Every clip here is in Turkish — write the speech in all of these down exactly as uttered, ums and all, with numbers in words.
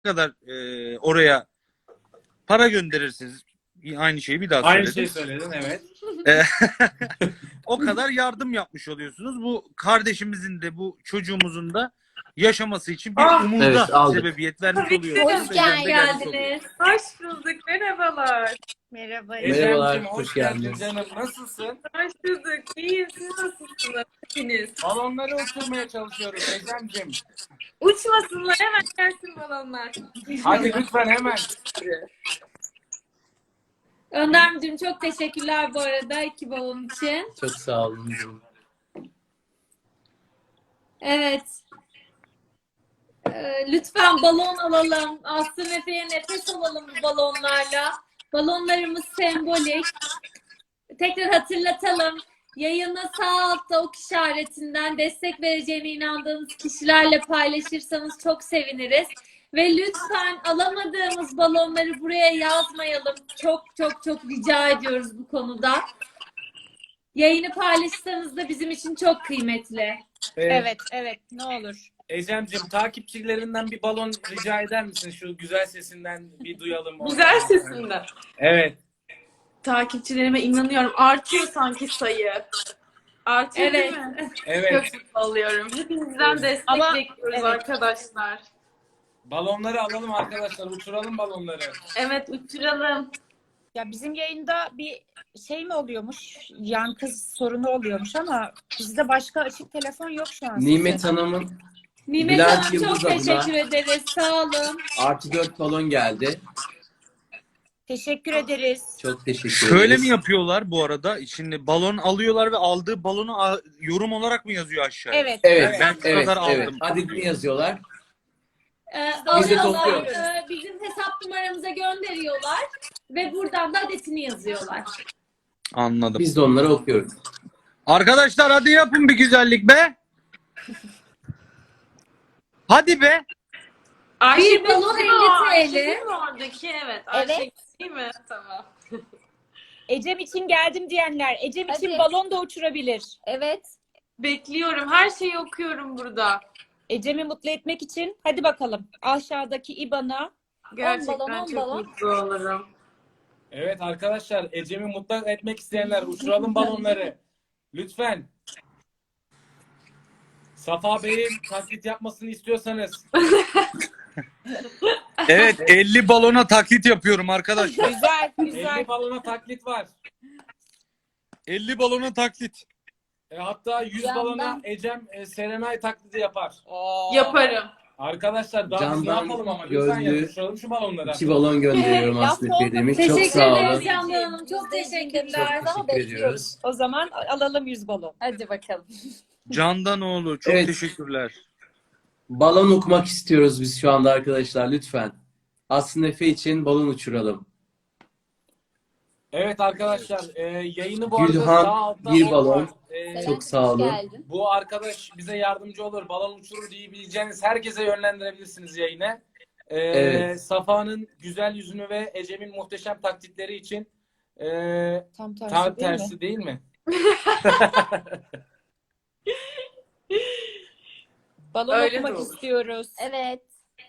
kadar e, oraya para gönderirsiniz. Aynı şeyi bir daha Aynı söyledim. şeyi söyledin, evet. E, o kadar yardım yapmış oluyorsunuz. Bu kardeşimizin de bu çocuğumuzun da yaşaması için bir Ah, umuda Evet, aldık. sebebiyet vermiş Tabii ki. oluyorsunuz. Hoş Ecem de gelmiş oluyor. geldiniz. Hoş bulduk. Merhabalar. Merhaba. Merhabalar, Ecem'cim hoş hoş geldin geldiniz. canım. Nasılsın? Hoş bulduk. İyiyim. Siz nasılsınız? Hepiniz. Balonları uçurmaya çalışıyoruz Ecem'cim. Uçmasınlar. Hemen gelsin balonlar. Hadi lütfen hemen. Önder'cim çok teşekkürler bu arada iki balon için. Çok sağ olun. Evet. Ee, lütfen balon alalım. Aslı Efe'ye nefes alalım bu balonlarla. Balonlarımız sembolik. Tekrar hatırlatalım. Yayını sağ altta ok işaretinden destek vereceğine inandığınız kişilerle paylaşırsanız çok seviniriz. Ve lütfen alamadığımız balonları buraya yazmayalım. Çok çok çok rica ediyoruz bu konuda. Yayını paylaşırsanız da bizim için çok kıymetli. Ee, Evet, evet. Ne olur. Ecem'cim takipçilerinden bir balon rica eder misin? Şu güzel sesinden bir duyalım. onu. Güzel sesinden. Evet. Takipçilerime inanıyorum. Artıyor sanki sayı. Artıyor Evet. değil mi? Evet. Çok mutlu oluyorum. Hepinizden destek Ama- bekliyoruz evet. arkadaşlar. Balonları alalım arkadaşlar. Uçuralım balonları. Evet, uçuralım. Ya bizim yayında bir şey mi oluyormuş? Yankı sorunu oluyormuş ama bizde başka açık telefon yok şu an. Nimet Hanım'ın Nimet Bülent Hanım çok Yıldız adına- teşekkür ederiz. Sağ olun. artı dört balon geldi. Teşekkür ederiz. Çok teşekkür Şöyle ederiz. mi yapıyorlar bu arada? Şimdi balon alıyorlar ve aldığı balonu a- yorum olarak mı yazıyor aşağıya? Evet. Evet, Ben şu evet, kadar evet. aldım. Adını yazıyorlar. Ee, Biz de alıyorlar, topluyoruz. e, bizim hesap numaramıza gönderiyorlar ve buradan da adetini yazıyorlar. Anladım. Biz de onları okuyoruz. Arkadaşlar hadi yapın bir güzellik be. Hadi be. Ayşe balon değil mi o? elli Ayşe TL. değil mi oradaki? Evet. Ayşe Evet. değil mi? Tamam. Ecem için geldim diyenler. Ecem için Hadi. balon da uçurabilir. Evet. Bekliyorum. Her şeyi okuyorum burada. Ecem'i mutlu etmek için hadi bakalım. Aşağıdaki I B A N''a Gerçekten balon, on çok balon. mutlu olurum. Evet arkadaşlar. Ecem'i mutlu etmek isteyenler uçuralım balonları. Lütfen. Safa Bey'in taklit yapmasını istiyorsanız. Evet elli balona taklit yapıyorum arkadaşlar. güzel güzel. elli balona taklit var. elli balona taklit. E, hatta yüz Yandan- balona Ecem e, Serenay taklidi yapar. Oo. Yaparım. Arkadaşlar daha biz ne Candan yapalım ama lütfen gözlü- ya uçuralım şu balonları. İki balon gönderiyorum Evet, Aslı laf Efe demiş. oldu. Çok Teşekkür sağ ederiz olun. Candan Hanım. Çok teşekkürler. Çok teşekkür ediyoruz. O zaman alalım yüz balon. Hadi bakalım. Candanoğlu çok Evet. teşekkürler. Balon okumak istiyoruz biz şu anda arkadaşlar. Lütfen. Aslı Efe için balon uçuralım. Evet arkadaşlar e, yayını bu arada Gülhan, sağ altta bir ok balon. var. E, Çok sağ olun. bu arkadaş bize yardımcı olur. Balon uçurur diyebileceğiniz herkese yönlendirebilirsiniz yayını. E, Evet. Safa'nın güzel yüzünü ve Ecem'in muhteşem taklitleri için e, Tam tersi tam değil mi? tersi değil mi? Balon Öyle de okumak olur. istiyoruz. Evet.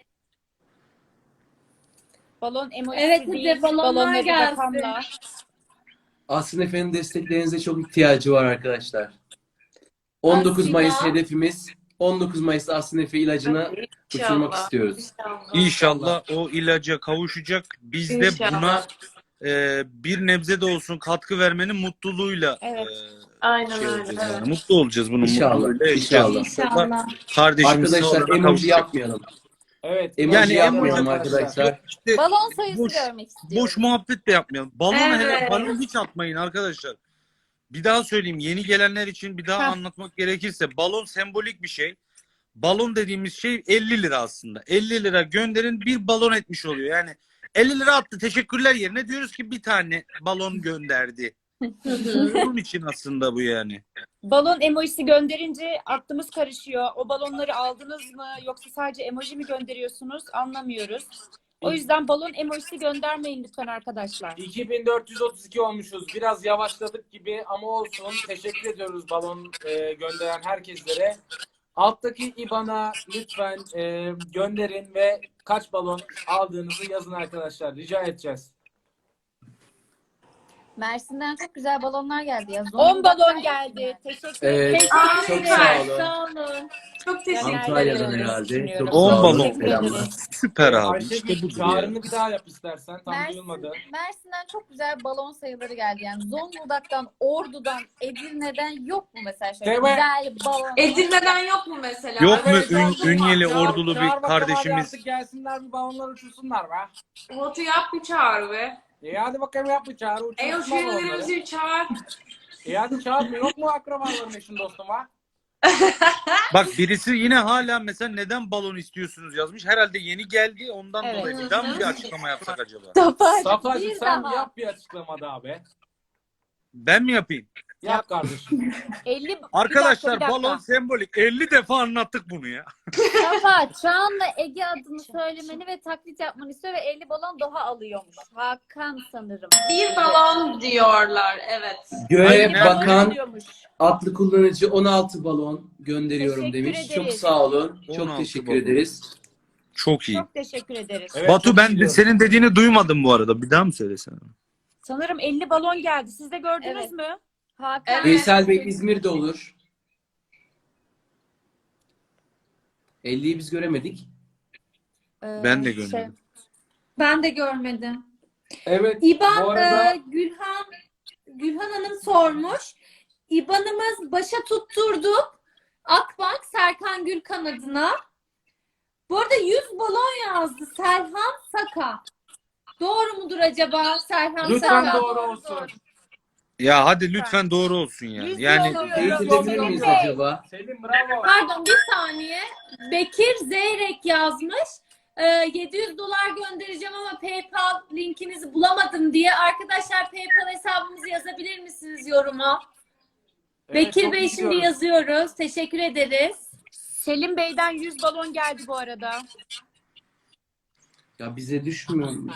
Balon emoji Evet, hadi değil. balonlar balon ve bir gelsin. rakamla. Aslı Efe'nin desteklerinize çok ihtiyacı var arkadaşlar. on dokuz Aslında- Mayıs hedefimiz. on dokuz Mayıs'ta Aslı Efe ilacını uçurmak istiyoruz. İnşallah. İnşallah o ilaca kavuşacak. Biz de İnşallah. buna e, bir nebze de olsun katkı vermenin mutluluğuyla Evet. e, Aynen şey öyle. olacağız Evet. yani. Mutlu olacağız bunun İnşallah, mutluluğuyla. inşallah. İnşallah. Kardeşimiz Arkadaşlar sağ olana emoji kavuşacak. yapmayalım. Evet. Emoji Yani yapmayalım emoji- arkadaşlar. İşte Balon sayısı boş, görmek istiyorum. boş muhabbet de yapmayalım. Balon hele Evet. balon hiç atmayın arkadaşlar. Bir daha söyleyeyim yeni gelenler için bir daha Heh. anlatmak gerekirse balon sembolik bir şey. Balon dediğimiz şey elli lira aslında. elli lira gönderin bir balon etmiş oluyor. Yani elli lira attı teşekkürler yerine diyoruz ki bir tane balon gönderdi. Bunun için aslında bu yani. Balon emojisi gönderince aklımız karışıyor. O balonları aldınız mı yoksa sadece emoji mi gönderiyorsunuz anlamıyoruz. O yüzden balon emojisi göndermeyin lütfen arkadaşlar. iki bin dört yüz otuz iki olmuşuz. Biraz yavaşladık gibi ama olsun. Teşekkür ediyoruz balon e, gönderen herkeslere. Alttaki I B A N''a lütfen e, gönderin ve kaç balon aldığınızı yazın arkadaşlar. Rica edeceğiz. Mersin'den çok güzel balonlar geldi ya. on balon geldi. Teşekkür ederim. Evet, çok Teşekkürler. sağ olun. Sağ olun. Çok teşekkür Antalya'dan ederim. herhalde. Çok On sağ olun. balon. Selamlar. Süper abi. Ayşegül İşte budur ya. çağrını bir daha yap istersen. Tam Mersin, duyulmadı. Mersin'den çok güzel balon sayıları geldi. Yani Zonguldak'tan, Ordu'dan, Edirne'den yok mu mesela şöyle Değil mi? güzel balon? Edirne'den yok mu mesela? Yok mu Evet, Ün- çağır- Ünyeli çağır- ordulu çağır bir bakalım hadi kardeşimiz. artık gelsinler bir balonlar uçursunlar be. Batu yap bir çağrı be. İyi hadi bakalım yap bir çağrı Ey o uçursun balonları. jürilerimizi çağır. İyi hadi çağır mı? Yok mu akrabaların eşin dostum ha? Bak birisi yine hala mesela neden balon istiyorsunuz yazmış. Herhalde yeni geldi ondan Evet. dolayı. Bir daha mı bir açıklama yapsak acaba? Safacı bir sen daha. yap bir açıklama daha be. Ben mi yapayım? Yap kardeşim. elli Arkadaşlar bir dakika, bir dakika. balon sembolik. elli defa anlattık bunu ya. Safa, Çağan'la Ege adını söylemeni ve taklit yapmanı istiyor ve elli balon Doğa alıyormuş. Hakan sanırım. Bir balon diyorlar evet. Göğe Aynen. bakan Diyormuş. atlı kullanıcı on altı balon gönderiyorum Teşekkür demiş. ederiz. Çok sağ olun. on Çok altı teşekkür balon. ederiz. Çok iyi. Çok teşekkür ederiz. Evet, Batu çok ben iyi de diyorum. senin dediğini duymadım bu arada. Bir daha mı söylesene? Sanırım elli balon geldi. Siz de gördünüz Evet. mü? Hakan. Evet. Veysel Bey İzmir'de olur. elliyi biz göremedik. Ee, Ben de şey, görmedim. ben de görmedim. Evet. İban bu arada e, Gülhan Gülhan Hanım sormuş. İban'ımız başa tutturduk. Akbank Serkan Gülkan adına. Bu arada yüz balon yazdı Serhan Saka. Doğru mudur acaba Serhan lütfen Saka? doğru olsun. Ya hadi lütfen doğru olsun ya. Yüz Yani balon. Teyit edebilir miyiz acaba? Selim bravo. Pardon bir saniye. Bekir Zeyrek yazmış. Ee, yedi yüz dolar göndereceğim ama PayPal linkinizi bulamadım diye. Arkadaşlar PayPal hesabımızı yazabilir misiniz yoruma? Evet, Bekir çok Bey iyi şimdi gidiyoruz. yazıyoruz. Teşekkür ederiz. Selim Bey'den yüz balon geldi bu arada. Ya bize düşmüyor mu?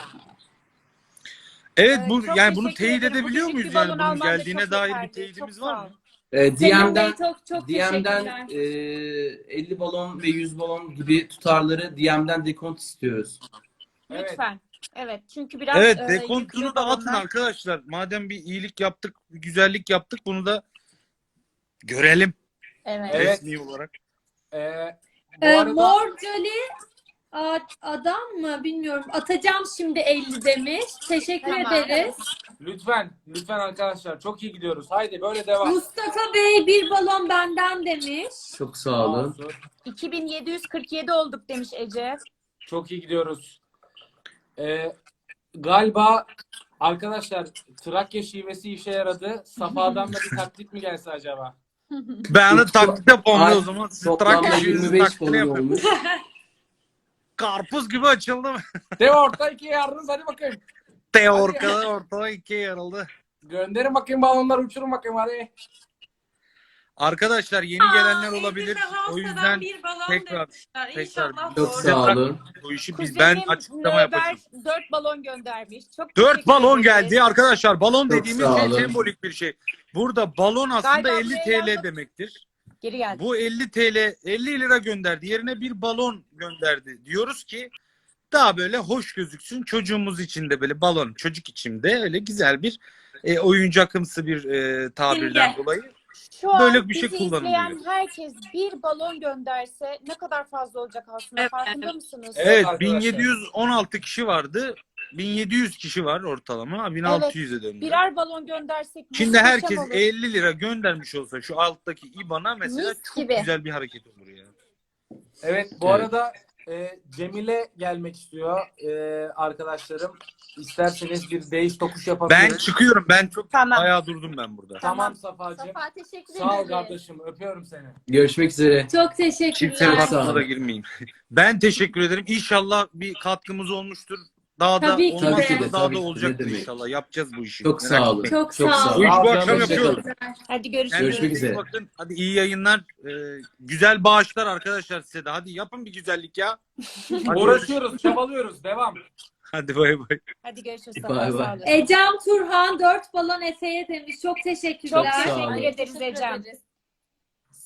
evet Ee, bu çok yani bunu teşekkür teyit ederim. Bu edebiliyor küçük muyuz bir yani balon bunun alman da geldiğine çok dair bir yeterli. teyidimiz Çok var sağ mı? ol. Ee, Selim D M'den Bey çok çok D M'den teşekkürler. e, elli balon ve yüz balon gibi tutarları D M'den dekont istiyoruz. Evet. Lütfen. Evet. Çünkü biraz Evet e, dekontunu yüklü da atın balonlar. arkadaşlar. Madem bir iyilik yaptık, bir güzellik yaptık bunu da görelim Evet. Evet. resmi olarak. Ee, bu Ee, arada Mor Jolly a- adam mı bilmiyorum. Atacağım şimdi elli demiş. Teşekkür Tamam. ederiz. lütfen lütfen arkadaşlar çok iyi gidiyoruz. Haydi böyle devam. Mustafa Bey bir balon benden demiş. Çok sağ olun. Olsun. iki bin yedi yüz kırk yedi olduk demiş Ece. Çok iyi gidiyoruz. Ee, galiba arkadaşlar Trakya şivesi işe yaradı. Safa'dan da bir taklit mi gelse acaba? Ben de taklit yapalım Ay, o zaman. Siz Toplamda Trakya şivesi yirmi beş taklidi balon yapın. olmuş. Karpuz gibi açıldım. De orta ikiye yardınız hadi bakayım. Te ortada ortada ikiye yarıldı. Gönderin bakayım balonları uçurun bakayım hadi. Arkadaşlar yeni gelenler olabilir. O yüzden bir balon tekrar demişler. tekrar İnşallah Çok doğru. sağ olun. bu işi biz Kuzenim ben açıklama Nöber yapacağım. dört balon göndermiş. Çok Dört teşekkür balon ederiz. geldi arkadaşlar. Balon Çok dediğimiz sağ şey olun. sembolik bir şey. Burada balon aslında Galiba elli buraya T L yazdım. demektir. Geri geldi. Bu elli T L elli lira gönderdi. Yerine bir balon gönderdi. Diyoruz ki daha böyle hoş gözüksün. Çocuğumuz için de böyle balon. Çocuk için de öyle güzel bir e, oyuncakımsı bir e, tabirden Simge. dolayı. Şu an Böyle bir şey bizi kullanılıyor. izleyen herkes bir balon gönderse ne kadar fazla olacak aslında Evet. farkında mısınız? Evet Evet arkadaşlar. bin yedi yüz on altı kişi vardı. bin yedi yüz kişi var ortalama. bin altı yüze döndü. Birer balon göndersek Şimdi muhteşem herkes olur. elli lira göndermiş olsa şu alttaki İ B A N''a mesela Mis çok gibi. güzel bir hareket olur ya. Evet bu Evet. arada e, Cemile gelmek istiyor e, arkadaşlarım. İsterseniz bir değiş tokuş Ben yapabiliriz. çıkıyorum. Ben çok Tamam. bayağı durdum ben burada. Tamam Safa'cığım. Safa teşekkür Sağ ol ederiz. kardeşim. Öpüyorum seni. Görüşmek üzere. Çok teşekkürler. Kimsenin Çok sağ hakkına da olun. girmeyeyim. Ben teşekkür ederim. İnşallah bir katkımız olmuştur. Daha da Tabii ki olmazsa de. da daha Tabii da ki de. olacaktır Ne demek. inşallah. Yapacağız bu işi. Çok Merak sağ olun. etmeyin. Çok, Çok sağ sağ olun. Bu işi bu Hoşça akşam kalın. yapıyoruz. Hadi görüşürüz. Kendinize Görüşmek iyi üzere. bakın. Hadi iyi yayınlar. Ee, güzel bağışlar arkadaşlar size de. Hadi yapın bir güzellik ya. Hadi Uğraşıyoruz, çabalıyoruz. Devam. Hadi bay bay. Hadi görüşürüz. Bay bay. Sağ olun. Ecem Turhan dört balon Efe'ye demiş. Çok teşekkürler. Çok sağ olun. teşekkür ederiz Ecem. ederiz.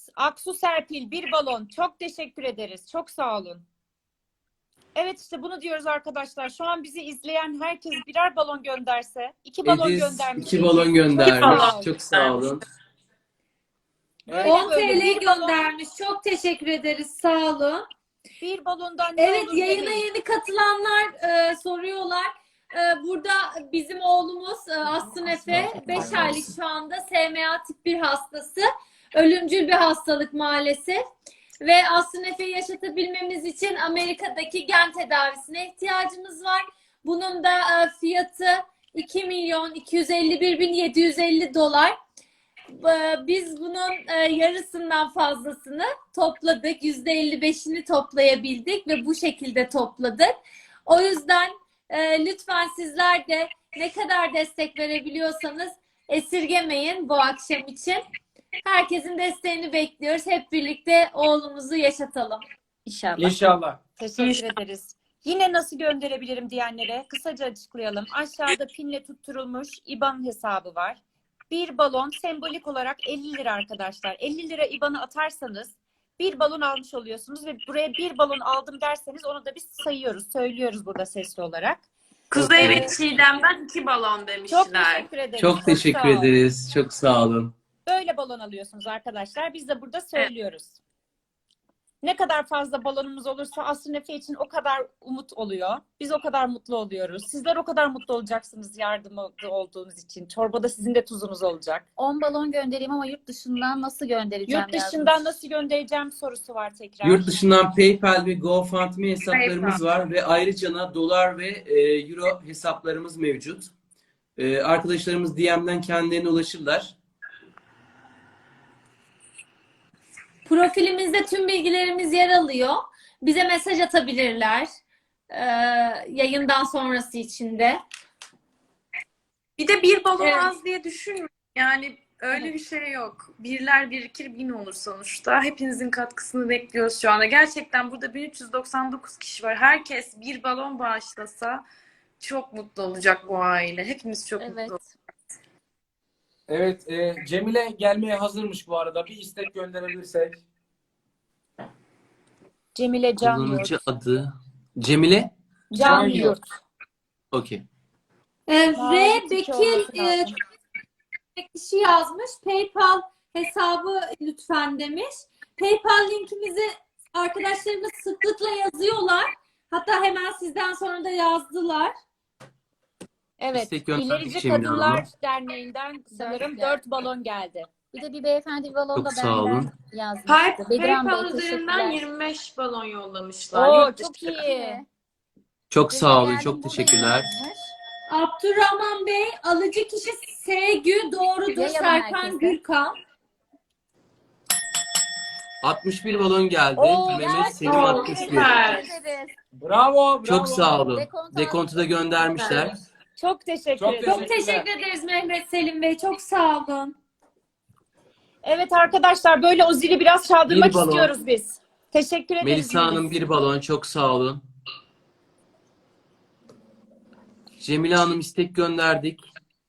Aksu Serpil bir balon. Çok teşekkür ederiz. Çok sağ olun. Evet işte bunu diyoruz arkadaşlar. Şu an bizi izleyen herkes birer balon gönderse. iki balon Ediz göndermiş. iki balon Çok göndermiş. sağ olun. Çok sağ olun. Böyle on böyle TL bir balon- göndermiş. Çok teşekkür ederiz. Sağ olun. Bir balondan ne Evet, olur yayına demeyin. yeni katılanlar e, soruyorlar. E, burada bizim oğlumuz e, Aslı Efe beş aylık şu anda S M A tip bir hastası. Ölümcül bir hastalık maalesef. Ve Aslı Efe'yi yaşatabilmemiz için Amerika'daki gen tedavisine ihtiyacımız var. Bunun da e, fiyatı iki milyon iki yüz elli bir bin yedi yüz elli dolar. E, Biz bunun e, yarısından fazlasını topladık. yüzde elli beşini toplayabildik ve bu şekilde topladık. O yüzden e, lütfen sizler de ne kadar destek verebiliyorsanız esirgemeyin bu akşam için. Herkesin desteğini bekliyoruz. Hep birlikte oğlumuzu yaşatalım. İnşallah. İnşallah. Teşekkür ederiz. Yine nasıl gönderebilirim diyenlere kısaca açıklayalım. Aşağıda pinle tutturulmuş I B A N hesabı var. Bir balon sembolik olarak elli lira arkadaşlar. elli lira I B A N'ı atarsanız bir balon almış oluyorsunuz ve buraya bir balon aldım derseniz onu da biz sayıyoruz, söylüyoruz burada sesli olarak. Kuzey ve Evet. Çiğdem'den iki balon Çok demişler. teşekkür ederiz. Çok teşekkür sağ olun. ederiz. Çok sağ olun. Böyle balon alıyorsunuz arkadaşlar. Biz de burada söylüyoruz. Ne kadar fazla balonumuz olursa Aslı Efe için o kadar umut oluyor. Biz o kadar mutlu oluyoruz. Sizler o kadar mutlu olacaksınız yardımcı olduğunuz için. Çorbada sizin de tuzunuz olacak. on balon göndereyim ama yurt dışından nasıl göndereceğim Yurt dışından yazmış. nasıl göndereceğim sorusu var tekrar. Yurt dışından PayPal ve GoFundMe hesaplarımız var ve ayrıca da dolar ve e, euro hesaplarımız mevcut. E, arkadaşlarımız D M'den kendilerine ulaşırlar. Profilimizde tüm bilgilerimiz yer alıyor. Bize mesaj atabilirler. Ee, yayından sonrası için de. Bir de bir balon Evet. az diye düşünmeyin. Yani öyle bir şey yok. Birler birikir bin olur sonuçta. Hepinizin katkısını bekliyoruz şu anda. Gerçekten burada bin üç yüz doksan dokuz kişi var. Herkes bir balon bağışlasa çok mutlu olacak bu aile. Hepimiz çok mutlu Evet. olacağız. Evet, e, Cemile gelmeye hazırmış bu arada. Bir istek gönderebilirsek. Cemile Can Kullanıcı Yurt. adı Cemile. Can Can Yurt. Yurt. Okey. Ee, R. Mavi Bekir olması e, lazım. kişi yazmış. PayPal hesabı lütfen demiş. PayPal linkimizi arkadaşlarımız sıklıkla yazıyorlar. Hatta hemen sizden sonra da yazdılar. Evet. İstek gönderdik İlerici Cemile Kadınlar Hanım'a. Derneği'nden sanırım geldi. dört balon geldi. Bir de bir beyefendi bir balon Çok da sağ benden olun. yazmıştı. Pay- Bedran Bey PayPal üzerinden teşekkürler. yirmi beş balon yollamışlar. Oo Yurt çok dışı. iyi. Çok sağ olun. Yani Çok burada teşekkürler. yazmış. Abdurrahman Bey, alıcı kişi Sevgü, doğrudur. Yayalım Serkan herkese. Gürkan. altmış bir balon geldi. Oo, Mehmet Selim Oo, altmış bir. süper. Teşekkür ederiz. Bravo, bravo. Çok sağ olun. Dekontu Dekontu da göndermişler. Çok teşekkür Çok ederim. Çok teşekkür ederiz Mehmet Selim Bey. Çok sağ olun. Evet arkadaşlar böyle o zili biraz çaldırmak Bir balon. istiyoruz biz. Teşekkür ederiz. Melisa Hanım Melis. bir balon. Çok sağ olun. Cemile Hanım istek gönderdik.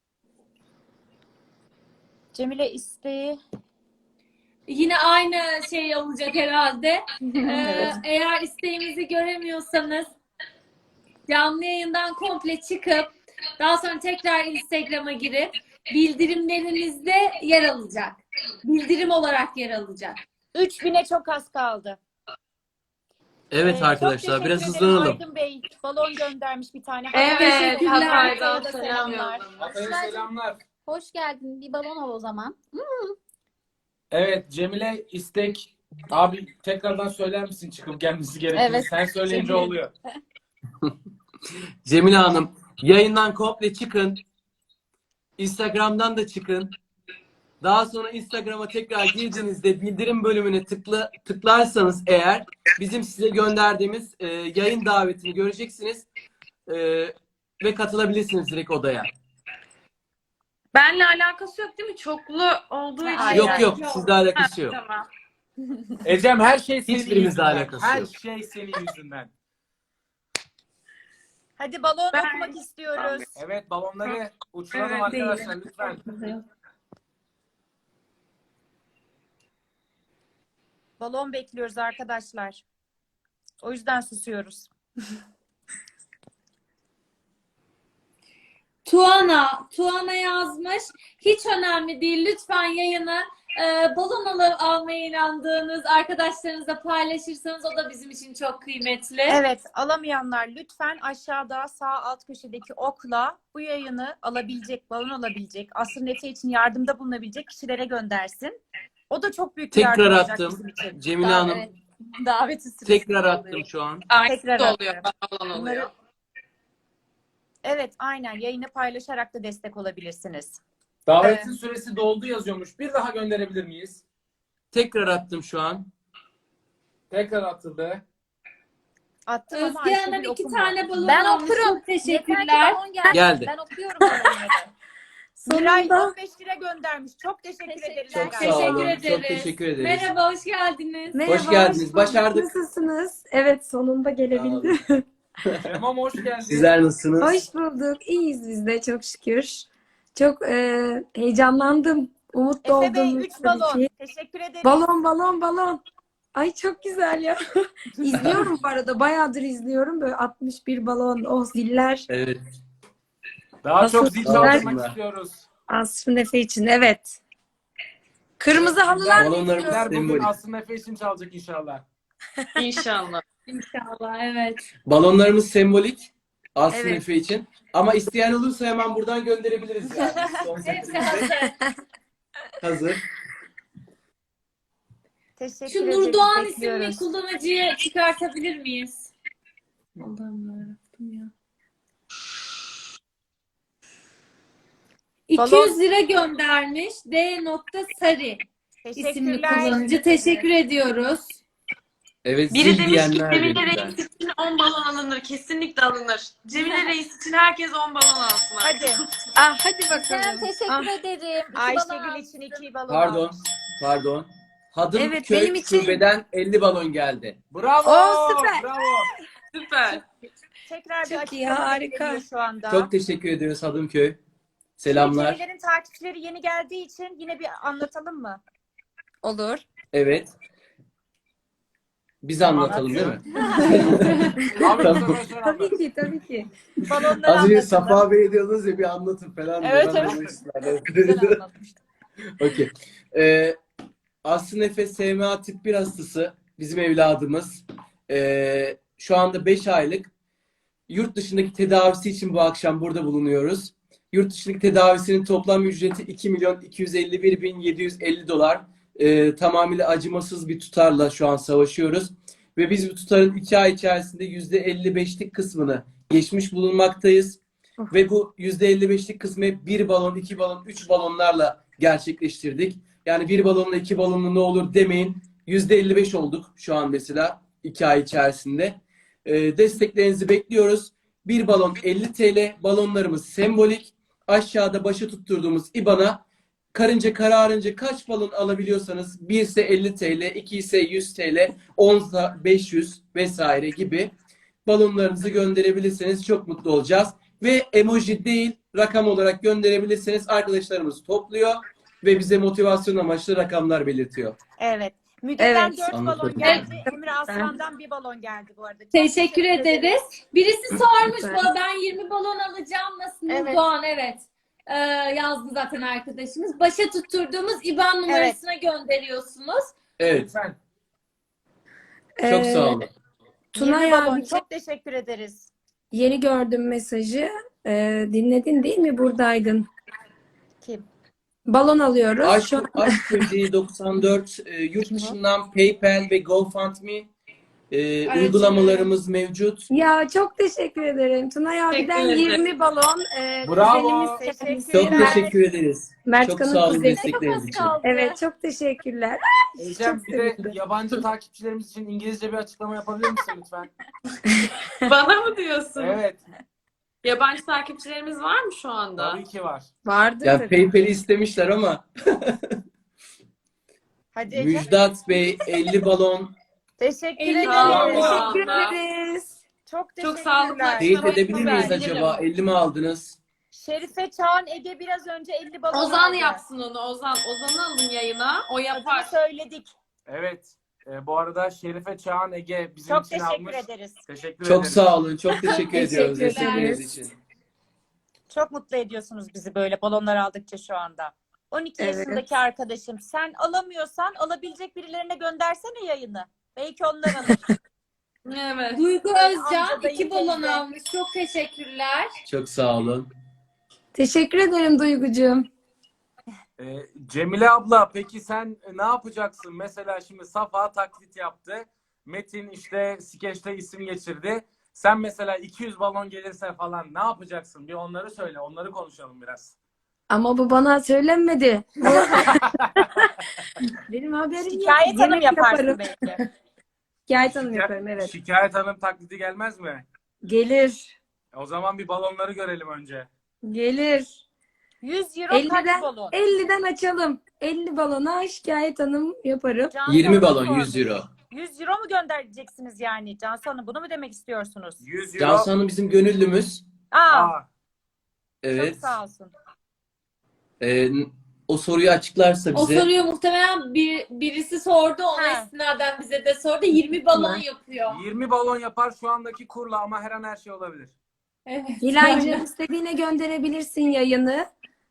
Cemile isteği. Yine aynı şey olacak herhalde. Ee, eğer isteğimizi göremiyorsanız canlı yayından komple çıkıp daha sonra tekrar Instagram'a girip bildirimlerinizde yer alacak. Bildirim olarak yer alacak. üç bine çok az kaldı. Evet Ee, arkadaşlar çok biraz teşekkür ederim. hızlanalım. Aydın Bey balon göndermiş bir tane. Evet, Teşekkürler. Hatay'dan Hatay'a da selam selamlar. yollamış. Hatay'a selamlar. Hoş geldin. Bir balon ol o zaman. Evet, Cemile istek. Abi tekrardan söyler misin çıkıp gelmesi gerekiyor? Evet. Sen söyleyince Cemile. oluyor. Cemile Hanım yayından komple çıkın. Instagram'dan da çıkın. Daha sonra Instagram'a tekrar girdiğinizde bildirim bölümüne tıkla, tıklarsanız eğer bizim size gönderdiğimiz e, yayın davetini göreceksiniz. E, ve katılabilirsiniz direkt odaya. Benle alakası yok değil mi? Çoklu olduğu için. Hayır, Yok hayır. yok sizle alakası yok. Tamam. Ecem her şey senin Hiçbirimizle yüzünden. alakası Her yok. şey senin yüzünden. Hadi balon Ben- okumak istiyoruz. Evet, balonları uçuralım Evet, değil. arkadaşlar lütfen. Balon bekliyoruz arkadaşlar. O yüzden susuyoruz. Tuana, Tuana yazmış. Hiç önemli değil. Lütfen yayını e, balon al almaya inandığınız arkadaşlarınızla paylaşırsanız o da bizim için çok kıymetli. Evet, alamayanlar lütfen aşağıda sağ alt köşedeki okla bu yayını alabilecek, balon alabilecek, Asrın Efe için yardımda bulunabilecek kişilere göndersin. O da çok büyük bir yardım Tekrar olacak attım. bizim için. Cemile Daha- Hanım evet. Daveti süresi tekrar oluyor. attım şu an. Tekrar Aynısı oluyor. atıyorum. Balon Bunları- oluyor. Evet, aynen. Yayını paylaşarak da destek olabilirsiniz. Davetin süresi doldu yazıyormuş. Bir daha gönderebilir miyiz? Tekrar attım şu an. Tekrar atıldı. Attım ama Özge Ayşegül Hanım iki okumuyor. tane balon Ben almış. okurum. Çok Yeter ki teşekkürler. balon gelsin. Geldi. Ben okuyorum balonları. Miray Sonunda. on beş lira göndermiş. Çok teşekkür Teşekkür- ederiz. Çok arkadaşlar. sağ Teşekkür olun. ederiz. Çok teşekkür ederiz. Merhaba, hoş geldiniz. Merhaba, Hoş geldiniz. bulduk. Başardık. Nasılsınız? Evet, sonunda gelebildim. Tamam, hoş geldin. Sizler nasılsınız? Hoş bulduk. İyiyiz biz de çok şükür. Çok e, heyecanlandım. Umutlu Efe Bey oldum. üç tabii balon. ki. Teşekkür ederiz. Balon, balon, balon. Ay çok güzel ya. İzliyorum bu arada. Bayağıdır izliyorum. Böyle altmış bir balon, o ziller. Evet. Daha Nasıl- çok zil Sağ çaldırmak olsunlar. istiyoruz. Asrın Efe için. Evet. Kırmızı halılar Balonlarımız Bizler bugün sembolik. Aslı Efe için çalacak inşallah. İnşallah. İnşallah, evet. Balonlarımız sembolik. Aslı Evet. Efe için. Ama isteyen olursa hemen buradan gönderebiliriz yani. Son Hepsi setimizde hazır. hazır. Teşekkür Şu ederiz. Nurdoğan isimli Bekliyoruz. kullanıcıyı çıkartabilir miyiz? Allah'ım yarabbim ya. iki yüz lira göndermiş. D. Sari isimli Teşekkürler. kullanıcı. Teşekkür ediyoruz. Evet, Biri zil demiş ki diyenler Cemile de Reis güzel. için on balon alınır. Kesinlikle alınır. Cemile Reis için herkes on balon alsın. Hadi. Ah, hadi Ben bakalım. teşekkür Ah, ederim. İki balon Ayşegül aldım. için iki balon Pardon. almış. Pardon. Hadım Evet, köy benim için- şubeden elli balon geldi. Bravo. Oo, süper. Bravo. Süper. Tekrar bir Çok iyi, açıklama harika. geliyor şu anda. Çok teşekkür ediyoruz Hadımköy. Selamlar. Cemilelerin takipçileri yeni geldiği için yine bir anlatalım mı? olur. Evet. Biz anlatalım değil mi? Abi Tamam. bu sefer sen anlat. Tabii ki, tabii ki. Balonları Az önce anlatalım. Safa Bey diyordunuz ya bir anlatın falan. diye. Evet, Ben evet. onu istedim. Güzel anlatmıştım. Okey. Ee, Aslı Efe S M A tip bir hastası. Bizim evladımız. Ee, şu anda beş aylık. Yurt dışındaki tedavisi için bu akşam burada bulunuyoruz. Yurt dışındaki tedavisinin toplam ücreti iki milyon iki yüz elli bir bin yedi yüz elli dolar. Ee, tamamıyla acımasız bir tutarla şu an savaşıyoruz. Ve biz bu tutarın iki ay içerisinde yüzde elli beşlik kısmını geçmiş bulunmaktayız. Of. Ve bu yüzde elli beşlik kısmı hep bir balon, iki balon, üç balonlarla gerçekleştirdik. Yani bir balonla iki balonla ne olur demeyin. yüzde elli beş olduk şu an mesela iki ay içerisinde. Ee, desteklerinizi bekliyoruz. Bir balon elli T L, balonlarımız sembolik. Aşağıda başa tutturduğumuz I B A N''a karınca kararınca kaç balon alabiliyorsanız bir ise elli T L, iki ise yüz T L, on ise beş yüz vesaire gibi balonlarınızı gönderebilirseniz çok mutlu olacağız. Ve emoji değil rakam olarak gönderebilirseniz arkadaşlarımız topluyor ve bize motivasyon amaçlı rakamlar belirtiyor. Evet. Müge'den Evet. dört balon Anladım. geldi. Emre Aslan'dan bir balon geldi bu arada. Çok Teşekkür ederiz. Birisi sormuş Süper. bana, ben yirmi balon alacağım nasıl? Evet. Nurdoğan, evet. Ee, yazdı zaten arkadaşımız. Başa tutturduğumuz İ B A N numarasına gönderiyorsunuz. Evet. Lütfen. Çok Ee, sağ olun. Tunay yirmi balon. abi, Çok teşekkür ederiz. yeni gördüm mesajı. Ee, dinledin değil mi? Buradaydın. Kim? Balon alıyoruz. Aşk, Şu an Aşk Böceği doksan dört e, yurt dışından PayPal ve GoFundMe e, uygulamalarımız mevcut. Ya çok teşekkür ederim. Tunay abiden Teşekkür ederim. yirmi balon. E, Bravo. kuzenimiz Teşekkür kendisi. Çok Mert- teşekkür ederiz. Mert Çok Kan'ın sağ olun kuzeni. destekleriniz için. kaldı. Evet, çok teşekkürler. Ecem Çok bir de sevindim. yabancı takipçilerimiz için İngilizce bir açıklama yapabilir misin lütfen? Bana mı diyorsun? Evet. Yabancı takipçilerimiz var mı şu anda? Tabii ki var. Vardır Ya tabii. PayPal'i istemişler ama Hadi Ece. Müjdat Bey elli balon Teşekkür elli ederiz. balon. Teşekkür Bravo. ederiz. Çok Çok sağlıklı. teşekkürler. teyit Tamam, edebilir süper. miyiz acaba? elli mi aldınız? Şerife Çağan Ege biraz önce elli balon Ozan aldı. yapsın onu. Ozan. Ozan'ı alın yayına. O Adını yapar. söyledik. Evet. Ee, bu arada Şerife Çağan Ege bizim Çok için teşekkür almış. ederiz. Teşekkür Çok ederiz. sağ olun. Çok teşekkür ediyoruz teşekkürler. destekleriniz için. Çok mutlu ediyorsunuz bizi böyle balonlar aldıkça şu anda. on iki Evet. yaşındaki arkadaşım. Sen alamıyorsan alabilecek birilerine göndersene yayını. Belki onlar alır. Evet. Duygu Amca, Özcan dayı, iki balon teyze. almış. Çok teşekkürler. Çok sağ olun. Teşekkür ederim Duygucuğum. Ee, Cemile abla peki sen ne yapacaksın? Mesela şimdi Safa taklit yaptı. Metin işte skeçte isim geçirdi. Sen mesela iki yüz balon gelirse falan ne yapacaksın? Bir onları söyle. Onları konuşalım biraz. Ama bu bana söylenmedi. Benim haberim yok. Hikaye tanım Yemek yaparsın yaparım. belki. Hikaye tanım yaparım, evet. Şikayet Hanım taklidi gelmez mi? Gelir. O zaman bir balonları görelim önce. Gelir. yüz euro kaç elliden, balon? elliden açalım. elli balona şikayet tanım yaparım. Cansu yirmi Hanım balon sormuş. yüz euro. yüz euro mu göndereceksiniz yani? Cansu Hanım bunu mu demek istiyorsunuz? yüz euro. Cansu Hanım bizim gönüllümüz. Aa, Aa, Evet. çok sağ olsun. Ee, o soruyu açıklarsa O bize. soruyu muhtemelen bir, birisi sordu. Ona Ha. istinaden bize de sordu. yirmi balon yapıyor. yirmi balon yapar şu andaki kurla ama her an her şey olabilir. Evet. Hilal'cığım istediğine gönderebilirsin yayını.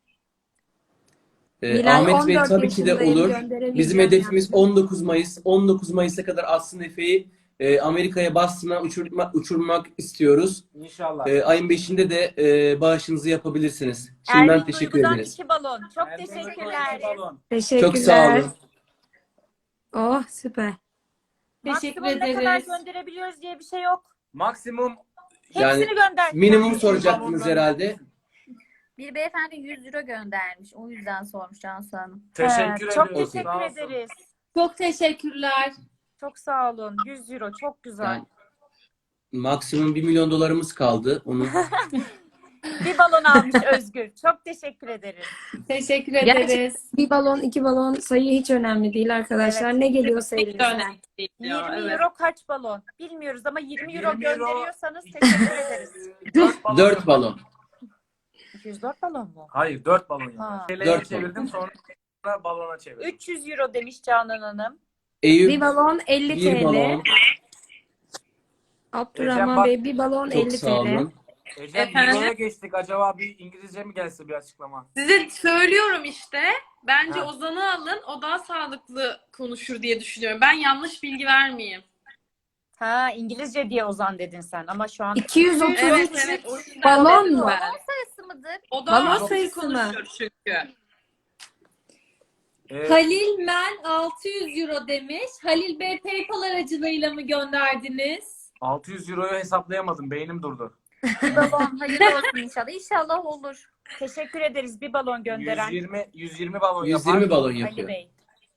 Ee, Hilal Ahmet Bey on dört tabii ki de yaşındayım, olur. gönderebileceğim Bizim hedefimiz yani. on dokuz Mayıs. on dokuz Mayıs'a kadar Aslı Efe'yi e, Amerika'ya Boston'a uçurma, uçurmak istiyoruz. İnşallah. E, ayın beşinde de e, bağışınızı yapabilirsiniz. Şimdiden Ermin teşekkür Duygu'dan ederiz. iki balon. Çok Ermin teşekkürler. Duygu'dan balon. Teşekkürler. Çok sağ olun. Oh süper. Teşekkür Maksimum ne kadar ederiz. gönderebiliyoruz diye bir şey yok. Maksimum Yani Hepsini gönder. minimum soracaktınız herhalde. Bir beyefendi yüz euro göndermiş. O yüzden sormuş Cansu Hanım. teşekkür Evet, çok ediyoruz. teşekkür Sağ olsun. ederiz. Çok teşekkürler. Çok sağ olun. yüz euro çok güzel. Yani maksimum bir milyon dolarımız kaldı. Onu Bir balon almış Özgür. Çok teşekkür ederiz. Teşekkür Gerçekten ederiz. bir balon, iki balon sayı hiç önemli değil arkadaşlar. Evet. Ne geliyorsa elinizden. yirmi evet. euro kaç balon? Bilmiyoruz ama yirmi euro yirmi euro. gönderiyorsanız teşekkür ederiz. dört balon. dört balon. iki yüz dört balon mu? Hayır dört balon yapar. Ha. T L'ye Dört çevirdim sonra balona çevirdim. üç yüz euro demiş Canan Hanım. Eyüp Bir balon elli bir T L. balon. Ecem, bak- Abdurrahman Bey bir balon Çok elli sağ T L. olun. Ecem Efendim? Euro'ya geçtik. Acaba bir İngilizce mi gelse bir açıklama? Size söylüyorum işte. Bence Ha. Ozan'ı alın. O daha sağlıklı konuşur diye düşünüyorum. Ben yanlış bilgi vermeyeyim. Ha İngilizce diye Ozan dedin sen ama şu an iki yüz otuz Evet üç evet. O yüzden balon dedim mu? ben. Sayısı mıdır? O daha Balon hızlı sayısı mı? konuşuyor çünkü. Ee, Halil Men altı yüz euro demiş. Halil Bey PayPal aracılığıyla mı gönderdiniz? altı yüz euroyu hesaplayamadım. Beynim durdu. Bir balon hayırlı olsun inşallah. İnşallah olur. teşekkür ederiz bir balon gönderen yüz yirmi yüz yirmi balon yüz yapar. yirmi balon Ali yapıyor. Bey.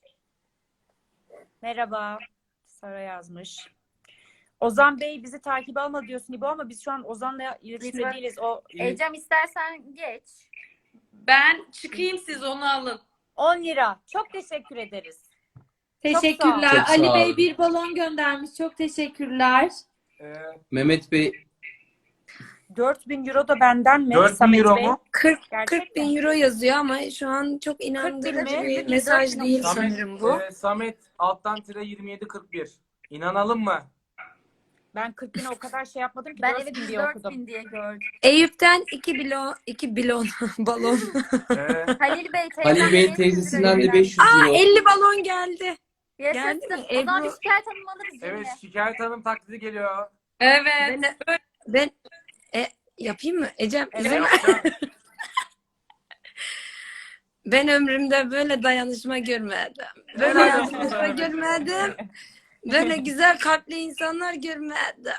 Merhaba. Sara yazmış. Ozan Bey bizi takip alma diyorsun İbo ama biz şu an Ozan'la iletişimde Lütfen. değiliz. O Ecem istersen geç. Ben çıkayım siz onu alın. on lira. Çok teşekkür ederiz. Teşekkürler. Çok sağ Ali olun. Bey bir balon göndermiş. Çok teşekkürler. Ee, Mehmet Bey dört bin euro da benden mi? dört bin Samet euro Bey? mu? kırk Gerçekten. kırk bin euro yazıyor ama şu an çok bin inandırıcı mi? bir mesaj değil Samet, sanırım bu. e, Samet alttan tire yirmi yedi kırk bir. İnanalım mı? Ben kırk bine o kadar şey yapmadım ki. Ben dört evet bin diye dört okudum. bin diye gördüm. Eyüp'ten iki bilon, iki bilon balon. Ee, Halil Bey teyzem Halil Bey'in elli teyzesinden de lira beş yüz Aa euro. elli balon geldi. Yaşasın. Geldi mi? O zaman Ebru- bir şikayet hanım alırız Cemile. evet Şikayet Hanım taklidi geliyor. Evet. Ben, ben e, yapayım mı? Ecem Evet. izin ver. Yapacağım. Ben ömrümde böyle dayanışma görmedim. Böyle Helal olsun dayanışma sana. görmedim. Böyle güzel kalpli insanlar görmedim.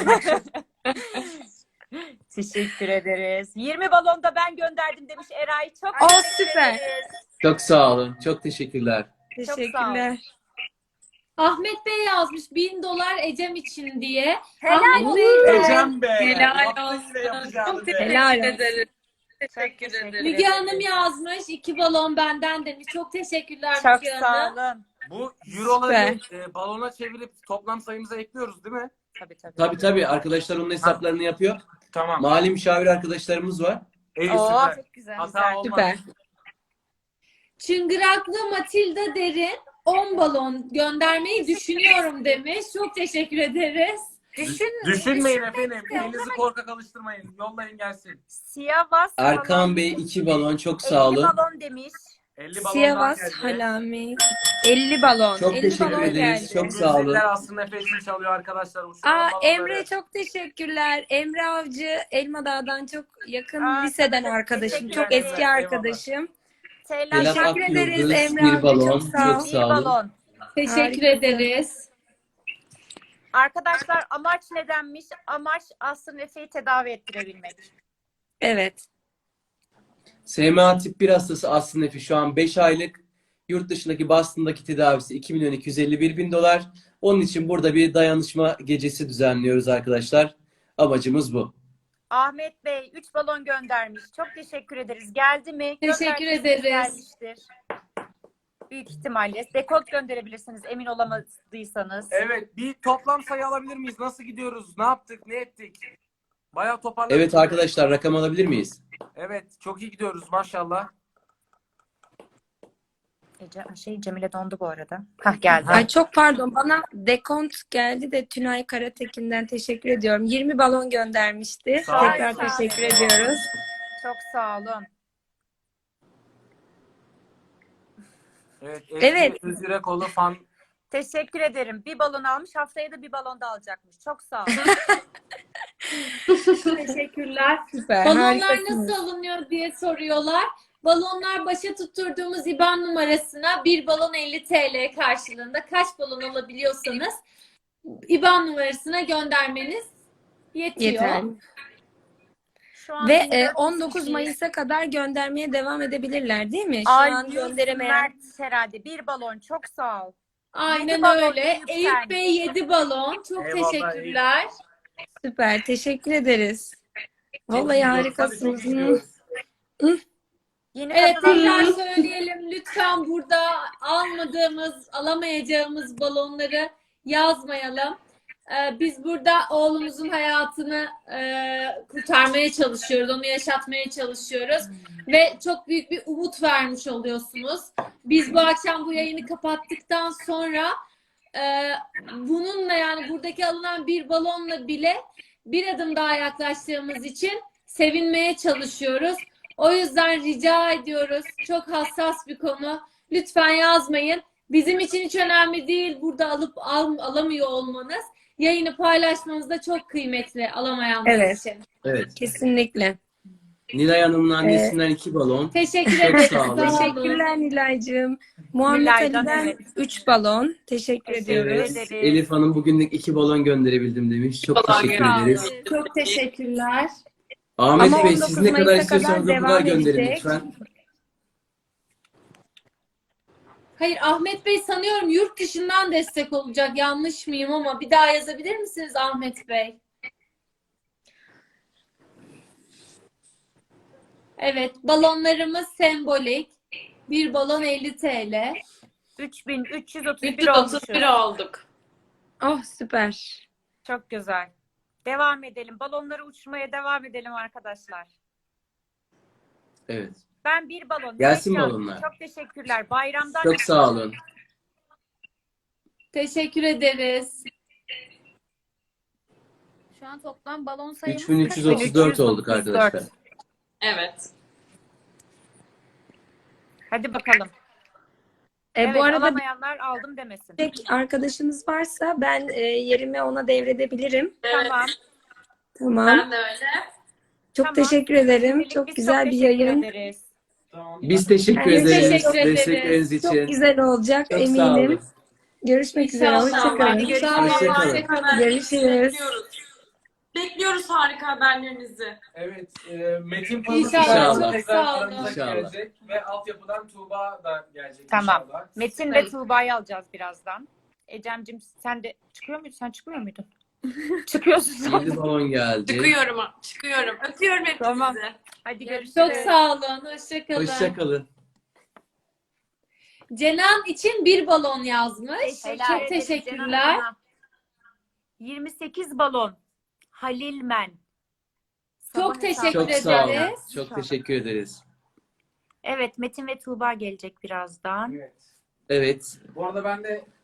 Teşekkür ederiz. yirmi balon da ben gönderdim demiş Eray. Çok Oh, teşekkür süper. ederiz. Çok sağ olun. Çok teşekkürler. sağ Teşekkürler. Ahmet Bey yazmış bin dolar Ecem için diye. Helal Ahmet Bey de- Ecem Bey. Helal yaptın olsun. yine yapacağını Çok be. teşekkür Helal olsun. ederiz. Teşekkür teşekkür ederim. Müge Hanım yazmış. iki balon benden demiş. Çok teşekkürler Çok Müge sağ Hanım. olun. Bu euroları e, balona çevirip toplam sayımıza ekliyoruz değil mi? Tabii tabii. Tabii tabii arkadaşlar onun hesaplarını yapıyor. Tamam. Mali müşavir arkadaşlarımız var. İyi Oo, süper. Çok güzel. Hata olmaz. Süper. Çıngıraklı Matilda Derin on balon göndermeyi düşünüyorum demiş. Çok teşekkür ederiz. Düşün, Düşünmeyin efendim. Elinizi korkak alıştırmayın. Yollayın gelsin. Siyavas Erkan balon, Bey iki balon çok sağ elli olun. balon demiş. elli balondan Siyavas geldi. Halami. elli balon. Çok elli teşekkür balon ederiz. geldi. Çok sağ olun. Müzikler aslında Efe için çalıyor arkadaşlar. Uçuran Aa, balonları. Emre çok teşekkürler. Emre Avcı Elmadağ'dan çok yakın Aa, liseden çok arkadaşım. teşekkür Çok ederim. eski arkadaşım. Selam. Belat Teşekkür ederiz Akyıldız Emre bir abi, balon. çok sağ ol. Çok Bir sağ olun. balon. Teşekkür Harikasın. ederiz. Arkadaşlar amaç nedenmiş? Amaç Aslı Efe'yi tedavi ettirebilmek. Evet. S M A tip bir hastası Aslı Nefi şu an beş aylık. Yurt dışındaki Boston'daki tedavisi iki milyon iki yüz elli bir bin dolar. Onun için burada bir dayanışma gecesi düzenliyoruz arkadaşlar. Amacımız bu. Ahmet Bey üç balon göndermiş. Çok teşekkür ederiz. Geldi mi? Teşekkür Gönderdiyseniz ederiz. Gelmiştir. Büyük ihtimalle. Dekont gönderebilirsiniz emin olamadıysanız. Evet. Bir toplam sayı alabilir miyiz? Nasıl gidiyoruz? Ne yaptık? Ne ettik? Bayağı toparladık. Evet arkadaşlar rakam alabilir miyiz? Evet. Çok iyi gidiyoruz maşallah. Ece, şey Cemile dondu bu arada. Hah geldi. Ay çok pardon, bana dekont geldi de Tünay Karatekin'den teşekkür ediyorum. yirmi balon göndermişti. Sağ olun. Tekrar Sağ olun. teşekkür ediyoruz. Çok sağ olun. Evet. Evet. Ezgi Özürekoğlu fan. Teşekkür ederim. Bir balon almış. Haftaya da bir balon da alacakmış. Çok sağ olun. Teşekkürler. Süper. Balonlar harikasınız. nasıl alınıyor diye soruyorlar. Balonlar başa tutturduğumuz IBAN numarasına bir balon elli T L karşılığında kaç balon alabiliyorsanız IBAN numarasına göndermeniz yetiyor. Yeter. Şu an Ve yirmi e, dört on dokuz kişiyiz. Mayıs'a kadar göndermeye devam edebilirler değil mi? Şu Ay, an gönderemeyen. Mert herhalde. Bir balon. Çok sağ ol. Aynen Yedi balon öyle. Eyüp Eyüp Sen. Bey yedi balon. Çok Eyvallah, teşekkürler. Süper. Teşekkür ederiz. Vallahi Çok harikasınız. iyi gidiyoruz. Yeni Evet katılanlar tekrar söyleyelim. Lütfen burada almadığımız, alamayacağımız balonları yazmayalım. Ee, biz burada oğlumuzun hayatını e, kurtarmaya çalışıyoruz. Onu yaşatmaya çalışıyoruz. Ve çok büyük bir umut vermiş oluyorsunuz. Biz bu akşam bu yayını kapattıktan sonra e, bununla yani buradaki alınan bir balonla bile bir adım daha yaklaştığımız için sevinmeye çalışıyoruz. O yüzden rica ediyoruz. Çok hassas bir konu. Lütfen yazmayın. Bizim için hiç önemli değil burada alıp al, alamıyor olmanız. Yayını paylaşmanız da çok kıymetli alamayanlar Evet. için. Evet. Kesinlikle. Nilay Hanım'ın annesinden iki balon. Teşekkür Çok ederiz. sağ olun. Sağ olun. Teşekkürler Nilay'cığım. Muhammed Nilay'dan, Ali'den evet. üç balon. Teşekkür Teşekkür ediyoruz. ederiz. Elif Hanım bugünlük iki balon gönderebildim demiş. Çok Balon teşekkür gönderdim. ederiz. Çok teşekkürler. Ahmet Ama Bey on dokuz siz ne kadar Mayıs'a istiyorsanız kadar o kadar devam gönderin edecek. lütfen. Hayır Ahmet Bey sanıyorum yurt dışından destek olacak. Yanlış mıyım ama bir daha yazabilir misiniz Ahmet Bey? Evet balonlarımız sembolik. Bir balon elli T L. üç bin üç yüz otuz bir üç yüz olmuşuz. otuz bir olduk. Oh süper. Çok güzel. Devam edelim. Balonları uçurmaya devam edelim arkadaşlar. Evet. Ben bir balon. Gelsin Nurcan, balonlar. Çok teşekkürler. Bayramdan Çok sağ olun. Teşekkür ederiz. Şu an toplam balon sayımız üç bin üç yüz otuz dört olduk arkadaşlar. Evet. Hadi bakalım. E, Evet, bu arada alamayanlar aldım demesin. bir tek arkadaşınız varsa ben e, yerimi ona devredebilirim. Evet. Tamam. Tamam. Ben de öyle. Çok Tamam. teşekkür ederim. Birlikte Çok biz güzel çok bir teşekkür yayın. ederiz. Biz teşekkür Biz ederiz teşekkür ederiz. destekleriniz Çok için. güzel olacak Çok sağ eminim. olun. Görüşmek üzere. İnşallah. Hoşçakalın. Hadi görüşürüz. İnşallah Hoşçakalın. harika haberlerinizi Görüşürüz. bekliyoruz. Bekliyoruz harika haberlerinizi. Evet. E, Metin Pamuk İnşallah, inşallah çok tekrar sağ olun. aramıza İnşallah. gelecek ve altyapıdan Tuğba da gelecek Tamam. inşallah. Metin ve Tuğba'yı alacağız birazdan. Ecem'cim sen de çıkıyor muydun? Sen çıkmıyor muydun? Çıkıyorsun sen. yedi balon geldi. Çıkıyorum. Çıkıyorum. Öpüyorum hepinizi. Tamam. Hadi görüşürüz. Çok sağ olun. Hoşçakalın. Hoşçakalın. Cenan için bir balon yazmış. Helal Çok ederiz teşekkürler. Cenan Hanım'a. yirmi sekiz balon. Halilmen. Çok Sabah teşekkür hesabı. Çok sağ olun. ederiz. Çok teşekkür ederiz. Evet Metin ve Tuğba gelecek birazdan. Evet. Evet. Bu arada ben de